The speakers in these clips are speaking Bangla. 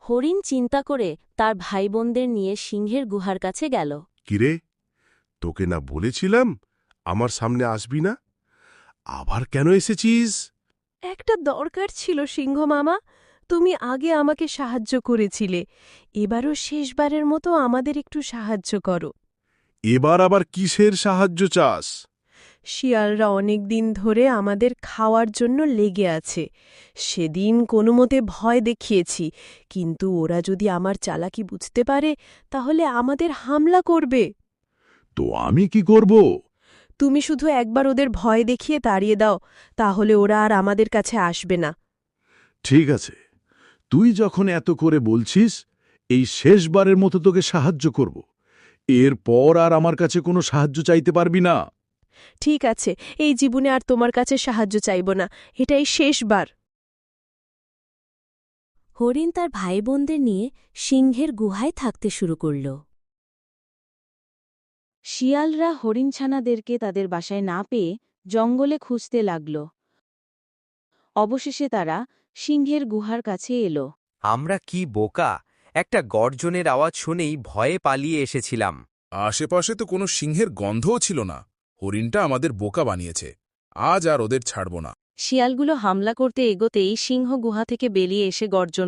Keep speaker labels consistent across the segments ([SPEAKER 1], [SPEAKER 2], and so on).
[SPEAKER 1] হরিণ চিন্তা করে তার ভাইবোনদের নিয়ে সিংহের গুহার কাছে গেল।
[SPEAKER 2] কিরে, তোকে না বলেছিলাম আমার সামনে আসবি না? আবার কেন এসেছিস?
[SPEAKER 3] একটা দরকার ছিল সিংহ মামা। তুমি আগে আমাকে সাহায্য করেছিলে, এবারও শেষবারের মতো আমাদের একটু সাহায্য করো।
[SPEAKER 2] এবার আবার কিসের সাহায্য চাস?
[SPEAKER 3] শিয়ালরা অনেক দিন ধরে আমাদের খাওয়ার জন্য লেগে আছে। সেদিন কোনোমতে ভয় দেখিয়েছি, কিন্তু ওরা যদি আমার চালাকি বুঝতে পারে তাহলে আমাদের হামলা করবে।
[SPEAKER 2] তো আমি কি করব?
[SPEAKER 3] তুমি শুধু একবার ওদের ভয় দেখিয়ে তাড়িয়ে দাও, তাহলে ওরা আর আমাদের কাছে আসবে না।
[SPEAKER 2] ঠিক আছে, তুই যখন এত করে বলছিস, এই শেষবারের মতো তোকে সাহায্য করব। এরপর আর আমার কাছে কোনো সাহায্য চাইতে পারবি না।
[SPEAKER 3] ঠিক আছে, এই জীবনে আর তোমার কাছে সাহায্য চাইব না, এটাই শেষবার।
[SPEAKER 1] হরিণ তার ভাইবোনদের নিয়ে সিংহের গুহায় থাকতে শুরু করল। শিয়ালরা হরিণছানাদেরকে তাদের বাসায় না পেয়ে জঙ্গলে খুঁজতে লাগল। অবশেষে তারা সিংহের গুহার কাছে এলো।
[SPEAKER 4] আমরা কি বোকা! একটা গর্জনের আওয়াজ শুনেই ভয়ে পালিয়ে এসেছিলাম।
[SPEAKER 5] আশেপাশে তো কোনো সিংহের গন্ধও ছিল না। হরিণটা আমাদের বোকা বানিয়েছে। আজ আর ওদের ছাড়ব না।
[SPEAKER 1] শিয়ালগুলো হামলা করতে এগোতেই সিংহ গুহা থেকে বেরিয়ে এসে গর্জন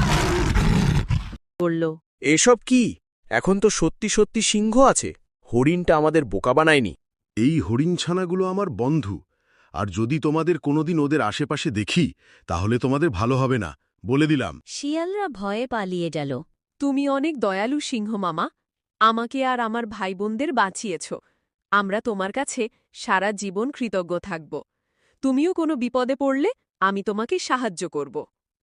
[SPEAKER 1] করল।
[SPEAKER 4] এসব কি? এখন তো সত্যি সত্যি সিংহ আছে। হরিণটা আমাদের বোকা বানায়নি।
[SPEAKER 2] এই হরিণছানাগুলো আমার বন্ধু, আর যদি তোমাদের কোনোদিন ওদের আশেপাশে দেখি তাহলে তোমাদের ভালো হবে না, বলে দিলাম।
[SPEAKER 1] শিয়ালরা ভয়ে পালিয়ে গেল।
[SPEAKER 3] তুমি অনেক দয়ালু সিংহ মামা, আমাকে আর আমার ভাইবোনদের বাঁচিয়েছ। আমরা তোমার কাছে সারা জীবন কৃতজ্ঞ থাকব। তুমিও কোনো বিপদে পড়লে আমি তোমাকে সাহায্য করব।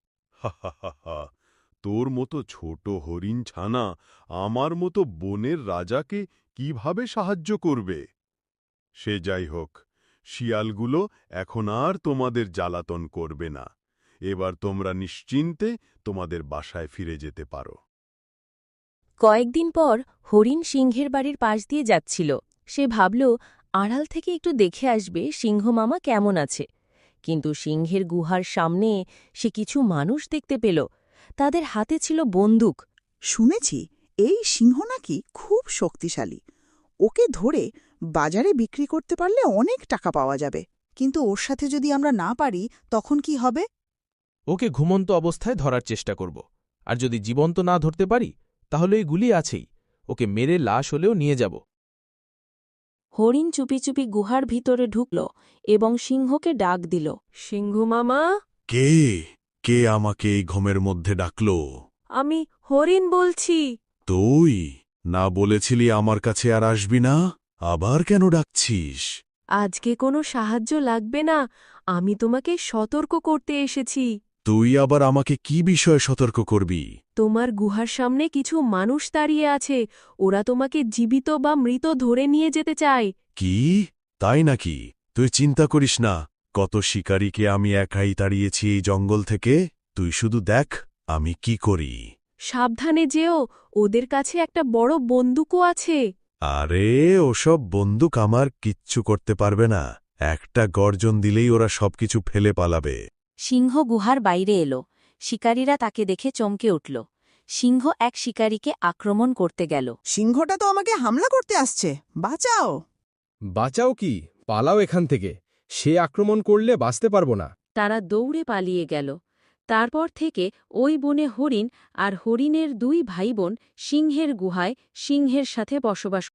[SPEAKER 2] তোর মতো ছোট হরিণ ছানা আমার মতো বনের রাজাকে কিভাবে সাহায্য করবে? সে যাই হোক, শিয়ালগুলো এখন আর তোমাদের জ্বালাতন করবে না। এবার তোমরা নিশ্চিন্তে তোমাদের বাসায় ফিরে যেতে পারো।
[SPEAKER 1] কয়েকদিন পর হরিণ সিংহের বাড়ির পাশ দিয়ে যাচ্ছিল। সে ভাবল আড়াল থেকে একটু দেখে আসবে সিংহ মামা কেমন আছে। কিন্তু সিংহের গুহার সামনে সে কিছু মানুষ দেখতে পেল। তাদের হাতে ছিল বন্দুক।
[SPEAKER 6] শুনেছি এই সিংহ নাকি খুব শক্তিশালী। ওকে ধরে বাজারে বিক্রি করতে পারলে অনেক টাকা পাওয়া যাবে। কিন্তু ওর সাথে যদি আমরা না পারি তখন কি হবে?
[SPEAKER 7] ওকে ঘুমন্ত অবস্থায় ধরার চেষ্টা করব। আর যদি জীবন্ত না ধরতে পারি তাহলে এই গুলি আছেই, ওকে মেরে লাশ হলেও নিয়ে যাব।
[SPEAKER 1] হরিণ চুপি চুপি গুহার ভিতরে ঢুকল এবং সিংহকে ডাক দিল।
[SPEAKER 3] সিংহ মামা,
[SPEAKER 2] কে কে আমাকে এই ঘুমের মধ্যে ডাকল?
[SPEAKER 3] আমি হরিণ বলছি।
[SPEAKER 2] তুই না বলেছিলি আমার কাছে আর আসবি না? আবার কেন ডাকছিস?
[SPEAKER 3] আজকে কোনো সাহায্য লাগবে না, আমি তোমাকে সতর্ক করতে এসেছি।
[SPEAKER 2] তুই আবার আমাকে কি বিষয়ে সতর্ক করবি?
[SPEAKER 3] তোমার গুহার সামনে কিছু মানুষ দাঁড়িয়ে আছে, ওরা তোমাকে জীবিত বা মৃত ধরে নিয়ে যেতে চায়।
[SPEAKER 2] কি? তাই নাকি? তুই চিন্তা করিস না, কত শিকারীকে আমি একাই তাড়িয়েছি এই জঙ্গল থেকে। তুই শুধু দেখ আমি কি করি।
[SPEAKER 3] সাবধানে যেও, ওদের কাছে একটা বড় বন্দুকও আছে।
[SPEAKER 2] আরে ওসব বন্দুক আমার কিচ্ছু করতে পারবে না। একটা গর্জন দিলেই ওরা সবকিছু ফেলে পালাবে।
[SPEAKER 1] সিংহ গুহার বাইরে এলো। শিকারীরা তাকে দেখে চমকে উঠল। সিংহ এক শিকারীকে আক্রমণ করতে গেল।
[SPEAKER 6] সিংহটা তো আমাকে হামলা করতে আসছে, বাঁচাও!
[SPEAKER 8] বাঁচাও কি, পালাও এখান থেকে। সে আক্রমণ করলে বাঁচতে পারবো না।
[SPEAKER 1] তারা দৌড়ে পালিয়ে গেল। তারপর থেকে ওই বনে হরিণ আর হরিণের দুই ভাইবোন সিংহের গুহায় সিংহের সাথে বসবাস